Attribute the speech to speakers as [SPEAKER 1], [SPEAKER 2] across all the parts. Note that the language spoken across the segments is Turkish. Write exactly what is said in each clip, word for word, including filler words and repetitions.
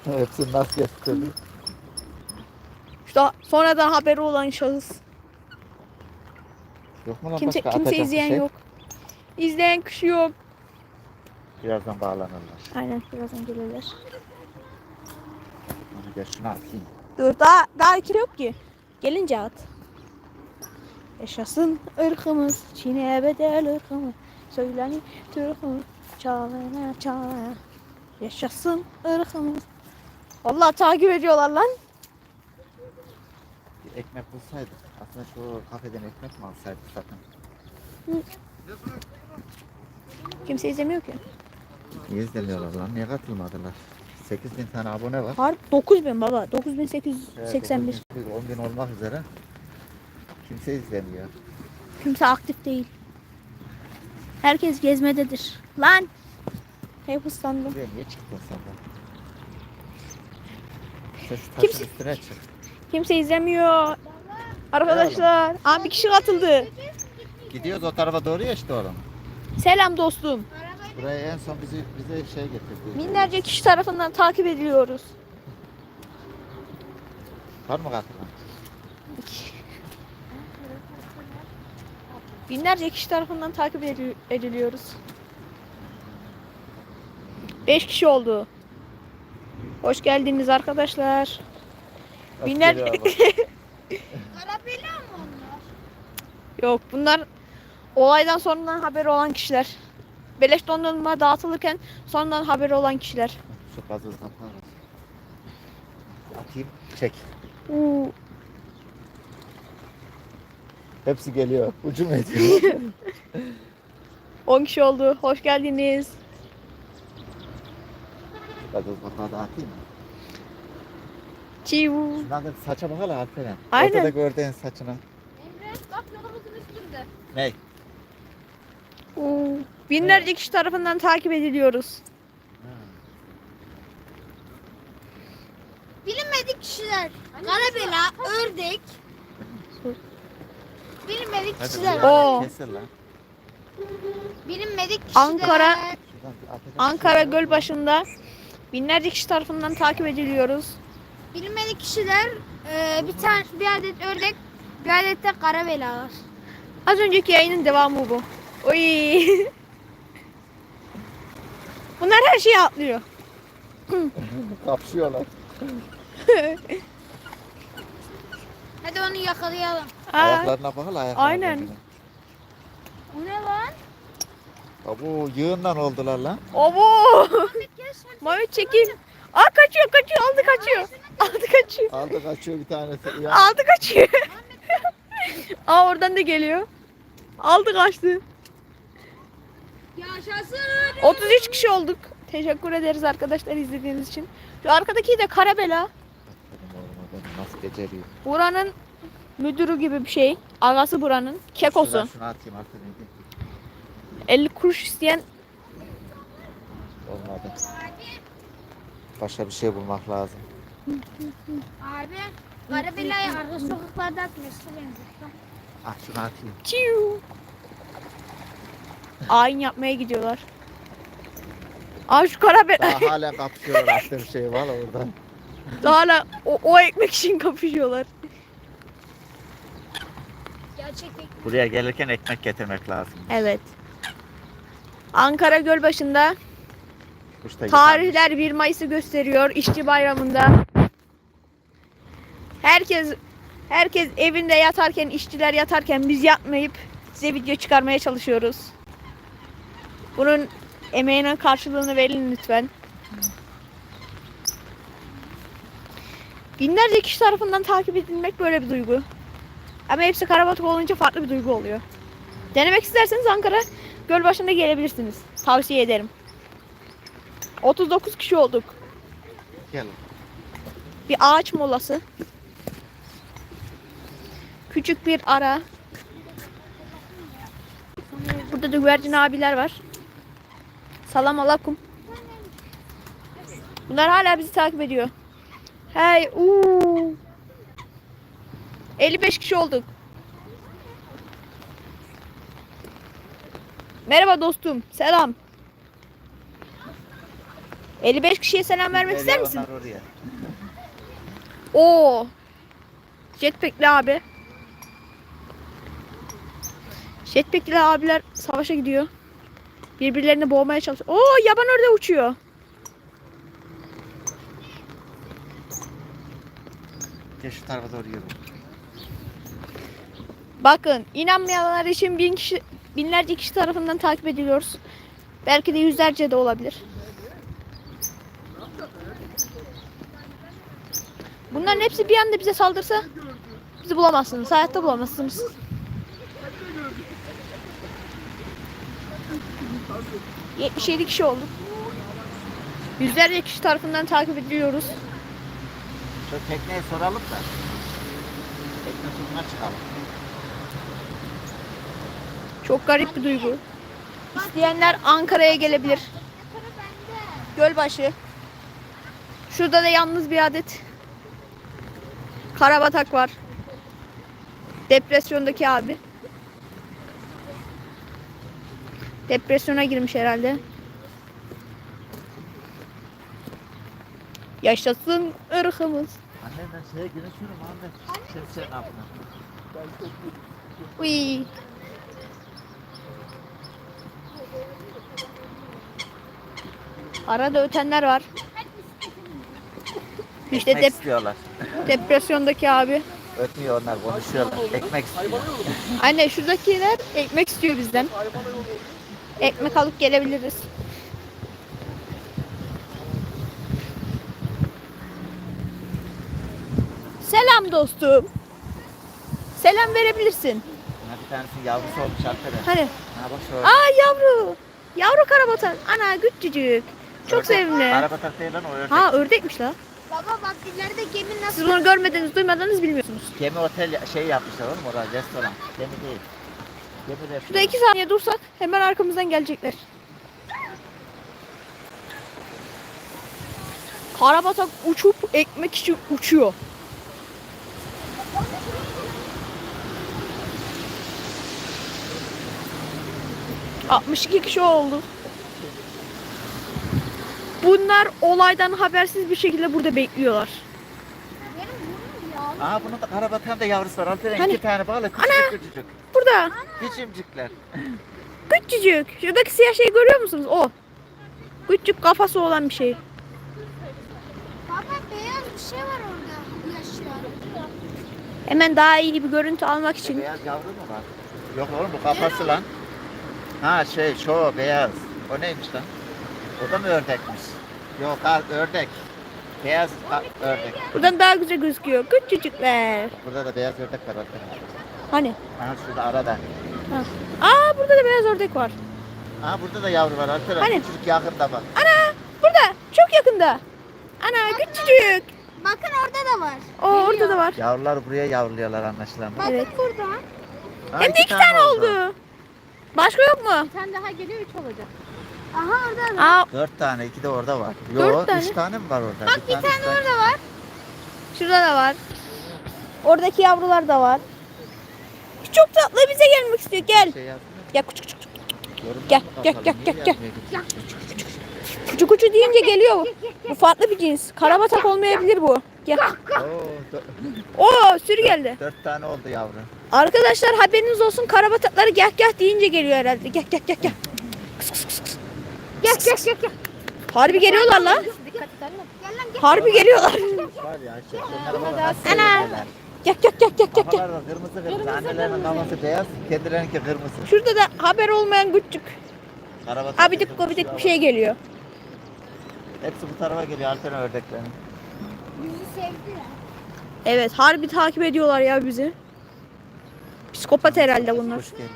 [SPEAKER 1] Hepsini nasıl getirdin?
[SPEAKER 2] İşte sonradan haberi olan şahıs.
[SPEAKER 1] Yok mu lan
[SPEAKER 2] Kimse
[SPEAKER 1] başka
[SPEAKER 2] kimse
[SPEAKER 1] atacak bir
[SPEAKER 2] izleyen
[SPEAKER 1] şey?
[SPEAKER 2] yok. İzleyen kişi yok.
[SPEAKER 1] Birazdan bağlanırlar.
[SPEAKER 2] Aynen birazdan gelirler.
[SPEAKER 1] Onu gel şunu atayım.
[SPEAKER 2] Dur daha daha ikili yok ki. Gelince at. Yaşasın ırkımız, Çin'e bedel ırkımız. Söyleni Türk'ümüz, çalana çalana. Yaşasın ırkımız. Vallahi takip ediyorlar lan.
[SPEAKER 1] Bir ekmek bulsaydık. Aslında şu kafeden ekmek mi alsaydık zaten?
[SPEAKER 2] Kimse izlemiyor ki.
[SPEAKER 1] Niye izlemiyorlar lan? Niye katılmadılar? sekiz bin tane abone var.
[SPEAKER 2] Harbi dokuz bin baba. dokuz bin sekiz yüz seksen bir.
[SPEAKER 1] Evet, on bin olmak üzere. Kimse izlemiyor.
[SPEAKER 2] Kimse aktif değil. Herkes gezmededir. Lan! Hep ıslandım.
[SPEAKER 1] Buraya niye çıktın sen de? Sen şu taşın
[SPEAKER 2] Kimse-
[SPEAKER 1] üstüne çık.
[SPEAKER 2] Kimse izlemiyor. Arkadaşlar. Aa, bir kişi katıldı.
[SPEAKER 1] Gidiyoruz o tarafa doğru ya işte oğlum.
[SPEAKER 2] Selam dostum.
[SPEAKER 1] Buraya en son bizi bize şey getirdi.
[SPEAKER 2] Binlerce kişi tarafından takip ediliyoruz.
[SPEAKER 1] Var mı katılan?
[SPEAKER 2] Binlerce kişi tarafından takip edil- ediliyoruz. Beş kişi oldu. Hoş geldiniz arkadaşlar. Binler-
[SPEAKER 3] Karabela mı onlar?
[SPEAKER 2] Yok bunlar olaydan sonradan haberi olan kişiler. Beleş dondurma dağıtılırken sonradan haberi olan kişiler.
[SPEAKER 1] Şu gazı kapat. Atayım. Çek.
[SPEAKER 2] Uuu.
[SPEAKER 1] Hepsi geliyor. Ucum ediyor.
[SPEAKER 2] on kişi oldu. Hoş geldiniz.
[SPEAKER 1] Gazı kapağı da atayım mı?
[SPEAKER 2] Çiu.
[SPEAKER 1] Şundan da saça bakalım Alperen.
[SPEAKER 2] Aynen.
[SPEAKER 1] Ortada gördüğün saçına.
[SPEAKER 3] Emre bak yolumuzun üstünde.
[SPEAKER 1] Ney?
[SPEAKER 2] Uuu. Binlerce kişi tarafından takip ediliyoruz.
[SPEAKER 3] Bilinmedik kişiler. Karabela, ördek. Bilinmedik
[SPEAKER 1] Hadi
[SPEAKER 3] kişiler.
[SPEAKER 1] buraya
[SPEAKER 2] Oo.
[SPEAKER 1] Keser lan.
[SPEAKER 3] Bilinmedik kişiler.
[SPEAKER 2] Ankara-
[SPEAKER 1] Şuradan bir atacak
[SPEAKER 2] Ankara
[SPEAKER 1] bir şey var mı?
[SPEAKER 2] Gölbaşı'nda binlerce kişi tarafından takip ediliyoruz.
[SPEAKER 3] Bilinmedik kişiler. e, bir tane bir adet ördek, bir adet de karabela var.
[SPEAKER 2] Az önceki yayının devamı bu. Oy. Bunlar her şeyi atlıyor.
[SPEAKER 1] Kapışıyorlar.
[SPEAKER 3] Hadi onu yakalayalım.
[SPEAKER 2] Aa,
[SPEAKER 1] Ayaklarına bakalım ayaklarına.
[SPEAKER 2] Aynen.
[SPEAKER 3] Bu ne lan?
[SPEAKER 1] Abo yığından oldular lan.
[SPEAKER 2] obo.
[SPEAKER 3] Gel sen.
[SPEAKER 2] Mehmet çekil. Aa kaçıyor kaçıyor aldı kaçıyor. Aldı kaçıyor.
[SPEAKER 1] Aldı kaçıyor bir tanesi. Ya.
[SPEAKER 2] Aldı kaçıyor. Aa oradan da geliyor. Aldı kaçtı.
[SPEAKER 3] Yaşasın.
[SPEAKER 2] otuz üç kişi olduk. Teşekkür ederiz arkadaşlar izlediğiniz için. Şu arkadaki de Karabela.
[SPEAKER 1] Benim oğlum adam nasıl beceriyor.
[SPEAKER 2] Buranın müdürü gibi bir şey. Ağası buranın. Kekosu.
[SPEAKER 1] Şuradan şunu atayım artık.
[SPEAKER 2] elli kuruş isteyen
[SPEAKER 1] Olmadı. Başka bir şey bulmak lazım.
[SPEAKER 3] Abi karabela'yı arka sokaklarda atmıştı benziyor.
[SPEAKER 1] Ah şunu atayım.
[SPEAKER 2] çiu. Ayin yapmaya gidiyorlar. Aa şu Karabela.
[SPEAKER 1] Daha hala kapışıyorlar attığım şey var orada.
[SPEAKER 2] Hala o, o ekmek için kapışıyorlar.
[SPEAKER 3] Gerçekten.
[SPEAKER 1] Buraya gelirken ekmek getirmek lazım.
[SPEAKER 2] Evet. Ankara Gölbaşı'nda
[SPEAKER 1] Kuşta
[SPEAKER 2] tarihler bir Mayıs'ı gösteriyor İşçi Bayramı'nda. Herkes herkes evinde yatarken, işçiler yatarken biz yatmayıp size video çıkarmaya çalışıyoruz. Bunun emeğinin karşılığını verin lütfen. Binlerce kişi tarafından takip edilmek böyle bir duygu. Ama hepsi karabatık olunca farklı bir duygu oluyor. Denemek isterseniz Ankara Gölbaşı'nda gelebilirsiniz. Tavsiye ederim. otuz dokuz kişi olduk.
[SPEAKER 1] Gel.
[SPEAKER 2] Bir ağaç molası. Küçük bir ara. Burada da güvercin abiler var. Salam alakum. Bunlar hala bizi takip ediyor. Hey, uuu. elli beş kişi olduk. Merhaba dostum. Selam. elli beş kişiye selam vermek ister
[SPEAKER 1] Geliyor
[SPEAKER 2] misin?
[SPEAKER 1] onlar oraya.
[SPEAKER 2] Oo. Jetpack'li abi. Jetpack'li abiler savaşa gidiyor. Birbirlerini boğmaya çalışıyor. Oo, yaban ördeği uçuyor.
[SPEAKER 1] Gel şu tarafa doğru yürü.
[SPEAKER 2] Bakın, inanmayanlar için bin kişi, binlerce kişi tarafından takip ediliyoruz. Belki de yüzlerce de olabilir. Bunların hepsi bir anda bize saldırsa bizi bulamazsınız. Hayatta bulamazsınız. yetmiş yedi kişi olduk. Yüzlerce kişi tarafından takip ediliyoruz.
[SPEAKER 1] Şu tekneye soralım da. Tekne turuna çıkalım.
[SPEAKER 2] Çok garip bir duygu. İsteyenler Ankara'ya gelebilir. Gölbaşı. Şurada da yalnız bir adet karabatak var. Depresyondaki abi. Depresyona girmiş herhalde. Yaşasın ırkımız.
[SPEAKER 1] Anne ben şeye girişiyorum anne. Şemsiyenin altına.
[SPEAKER 2] Uy. Arada ötenler var. İşte
[SPEAKER 1] Ekmek
[SPEAKER 2] dep-
[SPEAKER 1] istiyorlar.
[SPEAKER 2] depresyondaki abi.
[SPEAKER 1] Ötmüyor onlar konuşuyorlar. Ekmek istiyor.
[SPEAKER 2] Anne şuradakiler ekmek istiyor bizden. Ekmek alıp gelebiliriz. Selam dostum. Selam verebilirsin.
[SPEAKER 1] Ha, bir tanesinin yavrusu olmuş arkadaş.
[SPEAKER 2] Hani?
[SPEAKER 1] Ha bak şu
[SPEAKER 2] Aa, yavru. Yavru karabatak. Ana küçücük. Çok
[SPEAKER 1] ördek.
[SPEAKER 2] sevimli.
[SPEAKER 1] Arabatak değil lan o ördek.
[SPEAKER 2] Ha, ördekmiş la.
[SPEAKER 3] Baba bak ileride gemi nasıl?
[SPEAKER 2] Siz onu görmediniz, duymadınız, bilmiyorsunuz.
[SPEAKER 1] Gemi otel şey yapmışlar oğlum orada restoran. Gemi değil. Gemi restoran.
[SPEAKER 2] Şurada iki saniye dursak hemen arkamızdan gelecekler. Karabatak uçup ekmek için uçuyor. altmış iki kişi oldu. Bunlar olaydan habersiz bir şekilde burada bekliyorlar.
[SPEAKER 1] Aa bunun da karabatağın da yavrusu var. Altına
[SPEAKER 2] Hani?
[SPEAKER 1] iki tane bağlı küçücük küçücük.
[SPEAKER 2] Burada
[SPEAKER 1] Küçümcükler.
[SPEAKER 2] küçücük. Şuradaki siyah şeyi görüyor musunuz? O. Küçük kafası olan bir şey.
[SPEAKER 3] Baba beyaz bir şey var orada yaşıyor.
[SPEAKER 2] Hemen daha iyi bir görüntü almak için.
[SPEAKER 1] Beyaz yavru mu var? Yok oğlum bu kafası lan. Ha şey şu beyaz. O neymiş lan? O da mı ördekmiş? Yok ha, ördek. Beyaz ha, ördek.
[SPEAKER 2] Buradan daha güzel gözüküyor. Küçücükler.
[SPEAKER 1] Burada da beyaz ördek var arkadaşlar.
[SPEAKER 2] Hani?
[SPEAKER 1] Aha şurada arada.
[SPEAKER 2] Ha. Aa, burada da beyaz ördek var.
[SPEAKER 1] Aha burada da yavru var arkadaşlar.
[SPEAKER 2] Hani?
[SPEAKER 1] Küçücük yakında bak.
[SPEAKER 2] Ana! Burada. Çok yakında. Ana küçücük.
[SPEAKER 3] Bakın orada da var.
[SPEAKER 2] O orada da var.
[SPEAKER 1] Yavrular buraya yavruluyorlar anlaşılan.
[SPEAKER 3] Bakın
[SPEAKER 2] Evet.
[SPEAKER 3] burada.
[SPEAKER 1] Ha,
[SPEAKER 2] Hem de iki tane oldu. Başka yok mu?
[SPEAKER 3] Bir tane daha geliyor üç olacak. Aha orada da.
[SPEAKER 2] Aa,
[SPEAKER 1] Dört tane, iki de orada var.
[SPEAKER 2] Dört
[SPEAKER 1] Yo,
[SPEAKER 2] tane.
[SPEAKER 1] üç tane mi var orada?
[SPEAKER 3] Bak bir
[SPEAKER 1] üç
[SPEAKER 3] tane orada var.
[SPEAKER 2] şurada da var. Oradaki yavrular da var. Çok tatlı, bize gelmek istiyor. Gel.
[SPEAKER 1] Şey yazmıyor.
[SPEAKER 2] Gel küçük küçük.
[SPEAKER 1] Yorumlara
[SPEAKER 2] Gel, gel,
[SPEAKER 1] bakalım,
[SPEAKER 2] gel,
[SPEAKER 1] niye
[SPEAKER 2] gel, gel.
[SPEAKER 1] yazmıyor küçük küçük?
[SPEAKER 2] Küçük küçük deyince geliyor. Bu farklı bir cins. Karabatak olmayabilir bu. Gel.
[SPEAKER 1] Oo, dö-
[SPEAKER 2] Oo, sürü geldi.
[SPEAKER 1] dört tane oldu yavru.
[SPEAKER 2] Arkadaşlar haberiniz olsun, karabatakları gel gel deyince geliyor herhalde. Gel gel gel gel.
[SPEAKER 3] Gel gel gel gel.
[SPEAKER 2] Harbi geliyorlar lan.
[SPEAKER 3] Dikkat et anne. Gel lan gel.
[SPEAKER 2] Harbi geliyorlar.
[SPEAKER 1] Var ya şey, şunlara bak, nasıl
[SPEAKER 2] Ana.
[SPEAKER 1] seyrediyorlar.
[SPEAKER 2] Gel gel gel gel gel. gel.
[SPEAKER 1] Kafalar da kırmızı kırmızı. Annelerinin kafası beyaz, kendilerinki kırmızı.
[SPEAKER 2] Şurada da haber olmayan küçük
[SPEAKER 1] Karabatak
[SPEAKER 2] abidik
[SPEAKER 1] kırmızı
[SPEAKER 2] gubidik
[SPEAKER 1] var.
[SPEAKER 2] bir şey geliyor.
[SPEAKER 1] Hepsi bu tarafa geliyor Alperen ördeklerin.
[SPEAKER 3] Bizi sevdiler.
[SPEAKER 2] Evet, harbi takip ediyorlar ya bizi. Psikopat herhalde bunlar.
[SPEAKER 1] Hoş geldiniz.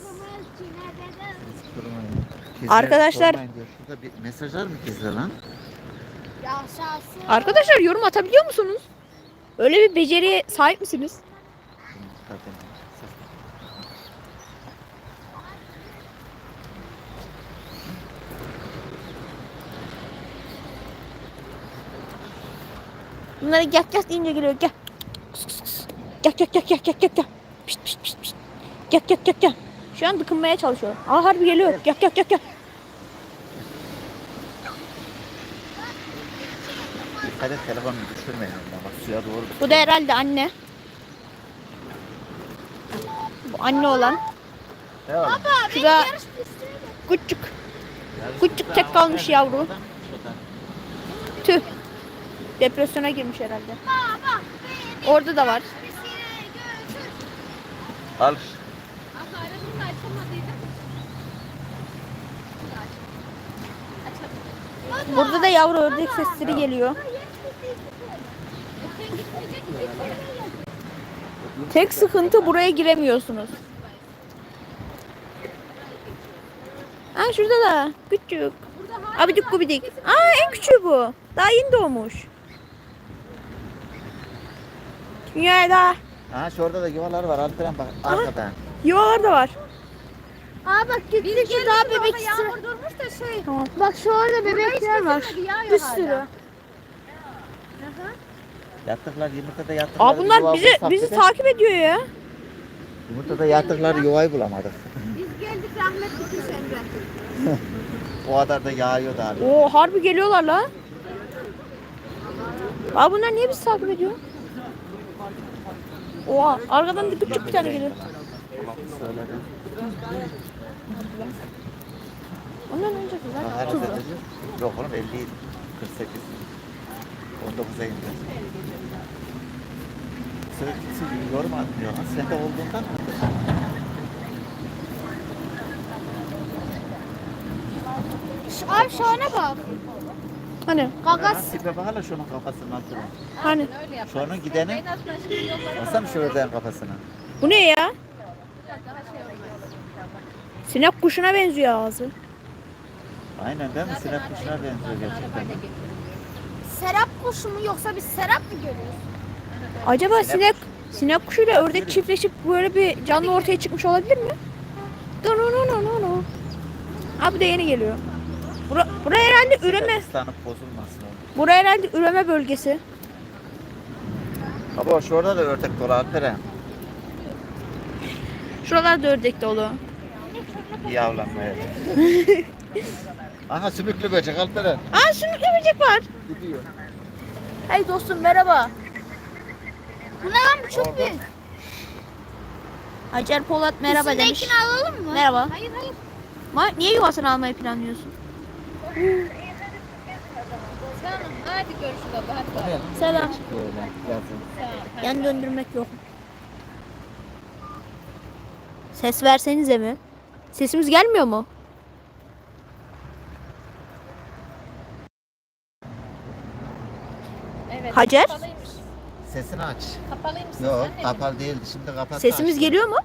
[SPEAKER 1] Siz durmayın.
[SPEAKER 2] Arkadaşlar-
[SPEAKER 1] sormayın diyor. Şurada bir mesajlar mı gizli lan?
[SPEAKER 3] Yaşasın.
[SPEAKER 2] Arkadaşlar yorum atabiliyor musunuz? Öyle bir beceriye sahip misiniz?
[SPEAKER 1] Zaten ses-
[SPEAKER 2] Bunlara gel gel deyince geliyor. Gel. Kıs, kıs, kıs. Gel gel gel gel gel gel gel. Pişt pişt pişt pişt. Gel gel gel gel. Şu an dıkınmaya çalışıyor. Aa, harbi geliyor. Gel gel gel gel.
[SPEAKER 1] Dikkat et telefonunu düşürmeyin. Bak suya doğru.
[SPEAKER 2] Bu da herhalde anne. Bu anne olan.
[SPEAKER 1] Ne oğlum?
[SPEAKER 2] Şu da küçük. Küçük tek kalmış yavru. Tüh. Depresyona girmiş herhalde. Orada da var.
[SPEAKER 1] Al.
[SPEAKER 2] Burada da yavru ördek sesleri geliyor. Tek sıkıntı buraya giremiyorsunuz. Aa şurada da küçük. Abidik gubidik. Aa en küçüğü bu. Daha yeni doğmuş. Dünyada
[SPEAKER 1] Ha şurada da yuvalar var. Alperen bak arkada.
[SPEAKER 2] yuvalar da var.
[SPEAKER 3] Aa bak gittikçe daha bebek istiyor.
[SPEAKER 4] durmuş da şey.
[SPEAKER 2] Tamam.
[SPEAKER 3] Bak şu orada bebekler var. Bir sürü.
[SPEAKER 1] Yattıklar yumurtada yattıklar.
[SPEAKER 2] Aa bunlar bizi bizi takip ediyor ya.
[SPEAKER 1] Yumurtada yattıklar yuvayı bulamadık.
[SPEAKER 3] Biz geldik rahmet bitmiş Emre.
[SPEAKER 1] O kadar da yağıyor da abi.
[SPEAKER 2] Oo harbi geliyorlar la. Aa bunlar niye bizi takip ediyor? Oha arkadan da küçük bir tane geliyor.
[SPEAKER 1] Söyledim.
[SPEAKER 2] Ondan önce
[SPEAKER 1] Ha,
[SPEAKER 2] güzel.
[SPEAKER 1] her
[SPEAKER 2] Tuzlu.
[SPEAKER 1] derece. Yok oğlum elli, kırk sekiz, on dokuza indi. Sürekli yorum atmıyor lan. Sende olduğundan mı?
[SPEAKER 3] Şu- Abi şu ana bak.
[SPEAKER 2] Hani
[SPEAKER 3] Gagas.
[SPEAKER 1] Tipe bak hala şunun kafasından durun.
[SPEAKER 2] hani
[SPEAKER 1] Şunun gidenin. Baksana şu ördeğin kafasına.
[SPEAKER 2] bu ne ya? Sinek kuşuna benziyor ağzı.
[SPEAKER 1] Aynen değil mi? Sinek kuşuna benziyor gerçekten.
[SPEAKER 3] Serap kuşu mu yoksa biz serap mı görüyoruz?
[SPEAKER 2] Acaba sinek sinek kuşuyla ördek çiftleşip böyle bir canlı ortaya çıkmış olabilir mi? Dunununununu. Abi de yeni geliyor. Bura, bura herhalde üreme.
[SPEAKER 1] Islanıp bozulmasın oğlum.
[SPEAKER 2] Bura herhalde üreme bölgesi.
[SPEAKER 1] Baba şu orada da ördek dolu Alperen.
[SPEAKER 2] Şuralarda ördek dolu.
[SPEAKER 1] İyi avlanmaya. Aha sümüklü böcek Alperen.
[SPEAKER 2] Aa sümüklü böcek var.
[SPEAKER 1] Gidiyor.
[SPEAKER 2] Hey dostum merhaba.
[SPEAKER 3] Bu ne lan bu çok
[SPEAKER 1] Orada.
[SPEAKER 3] büyük.
[SPEAKER 2] Hacer Polat merhaba demiş.
[SPEAKER 3] İçindekini alalım mı?
[SPEAKER 2] Merhaba.
[SPEAKER 3] Hayır hayır.
[SPEAKER 2] Ma niye yuvasını almayı planlıyorsun?
[SPEAKER 4] Tamam hadi görüşürüz abla hadi.
[SPEAKER 1] Oraya
[SPEAKER 2] Selam.
[SPEAKER 1] böyle yazın.
[SPEAKER 2] Yan döndürmek yok. Ses versenize mi? Sesimiz gelmiyor mu?
[SPEAKER 4] Evet.
[SPEAKER 2] Hacer?
[SPEAKER 4] Kapalıymış.
[SPEAKER 1] Sesini aç.
[SPEAKER 4] Kapalıymış ses
[SPEAKER 1] Yok
[SPEAKER 4] anne.
[SPEAKER 1] kapalı değil. Şimdi kapat.
[SPEAKER 2] Sesimiz geliyor mu?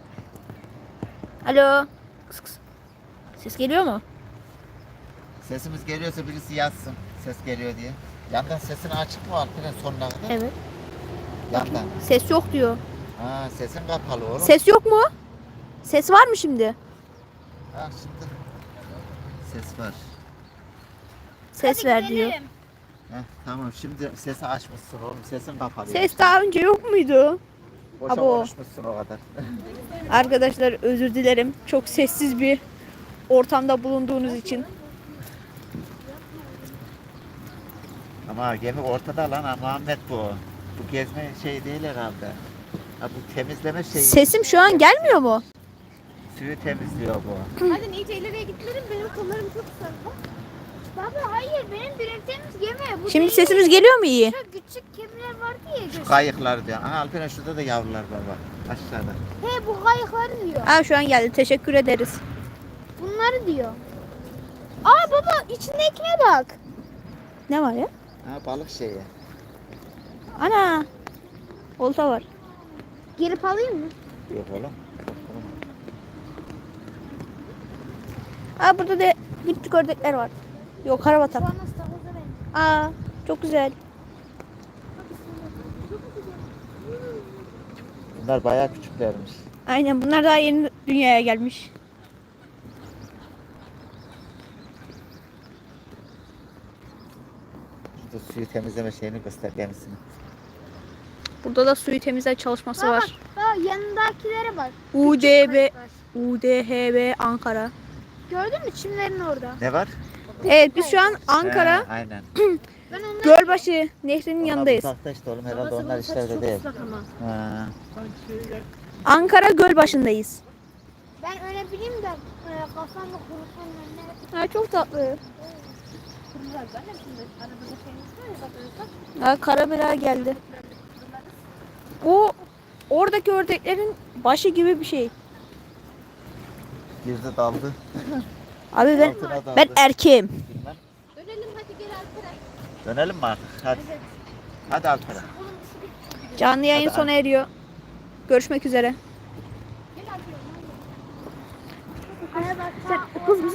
[SPEAKER 2] Alo. Kıs kıs. Ses geliyor mu?
[SPEAKER 1] Sesimiz geliyorsa birisi yazsın. Ses geliyor diye. Yandan sesini açık mı Alperen sonuna kadar?
[SPEAKER 2] Evet.
[SPEAKER 1] Yandan.
[SPEAKER 2] Ses yok diyor.
[SPEAKER 1] Ha sesin kapalı oğlum.
[SPEAKER 2] Ses yok mu? Ses var mı şimdi?
[SPEAKER 1] Ha şimdi. Ses var.
[SPEAKER 2] Ses ver diyor.
[SPEAKER 1] Heh, tamam şimdi sesi açmışsın oğlum. Sesin kapalı.
[SPEAKER 2] Ses daha önce yok muydu?
[SPEAKER 1] Boşa
[SPEAKER 2] Abo.
[SPEAKER 1] konuşmuşsun o kadar.
[SPEAKER 2] Arkadaşlar özür dilerim. Çok sessiz bir ortamda bulunduğunuz için.
[SPEAKER 1] Ama gemi ortada lan ha, Muhammed bu. Bu gezme şey değil herhalde. Ha, bu temizleme şeyi.
[SPEAKER 2] Sesim şu an gelmiyor mu?
[SPEAKER 1] Suyu temizliyor bu.
[SPEAKER 3] Hadi iyice ileriye gitmedim benim kollarım çok sarı. Baba hayır benim ürettiğimiz gemi. Bu
[SPEAKER 2] Şimdi
[SPEAKER 3] değil.
[SPEAKER 2] sesimiz geliyor mu iyi?
[SPEAKER 3] Şu küçük gemiler vardı ya.
[SPEAKER 1] Şu
[SPEAKER 3] göz-
[SPEAKER 1] kayıklar diyor. Aha Alperen şurada da yavrular baba. Aşağıda.
[SPEAKER 3] He bu kayıkları diyor.
[SPEAKER 2] Aa şu an geldi. Teşekkür ederiz.
[SPEAKER 3] Bunları diyor. Aa baba içindekine bak.
[SPEAKER 2] Ne var ya?
[SPEAKER 1] Ha balık şeyi.
[SPEAKER 2] Ana. Olta var.
[SPEAKER 3] Gelip alayım mı?
[SPEAKER 1] Yok oğlum.
[SPEAKER 2] Aa burada da küçük ördekler var. Yok karabatak.
[SPEAKER 3] Şu an nasıl takoza benim.
[SPEAKER 2] Aa çok güzel.
[SPEAKER 1] Bunlar bayağı küçüklermiş.
[SPEAKER 2] Aynen bunlar daha yeni dünyaya gelmiş.
[SPEAKER 1] Şurada suyu temizleme şeyini göster gemisini.
[SPEAKER 2] Burada da suyu temizleme çalışması
[SPEAKER 3] Bak,
[SPEAKER 2] var.
[SPEAKER 3] Bak yanındakilere bak.
[SPEAKER 2] U D B
[SPEAKER 3] Kayıklar.
[SPEAKER 2] U D H B Ankara.
[SPEAKER 3] Gördün mü çimlerin orada?
[SPEAKER 1] Ne var?
[SPEAKER 2] Evet biz şu an Ankara
[SPEAKER 1] He, aynen.
[SPEAKER 3] Ben onları
[SPEAKER 2] Gölbaşı nehrinin
[SPEAKER 1] Onlar
[SPEAKER 2] yanındayız.
[SPEAKER 1] uzakta işte oğlum herhalde onlar işlerde değil. Ha.
[SPEAKER 2] Ankara Gölbaşı'ndayız.
[SPEAKER 3] ben öyle bileyim de e, kafamda kurusun önüne.
[SPEAKER 2] Ha, çok tatlı.
[SPEAKER 4] Kurumlar zaten şimdi arabada şeyimiz var ya bakıyorsak.
[SPEAKER 2] Ha, Karabela geldi. O oradaki ördeklerin başı gibi bir şey.
[SPEAKER 1] Girdi daldı.
[SPEAKER 2] Abi ben
[SPEAKER 1] Altına daldı.
[SPEAKER 2] ben erkeğim.
[SPEAKER 1] Bilmem.
[SPEAKER 4] Dönelim hadi gel Alperen.
[SPEAKER 1] Dönelim mi artık? Hadi. Hadi Alperen.
[SPEAKER 2] Canlı yayın
[SPEAKER 1] Hadi,
[SPEAKER 2] sona eriyor. Görüşmek üzere.
[SPEAKER 4] Gel Alperen.
[SPEAKER 3] Araba
[SPEAKER 2] Kız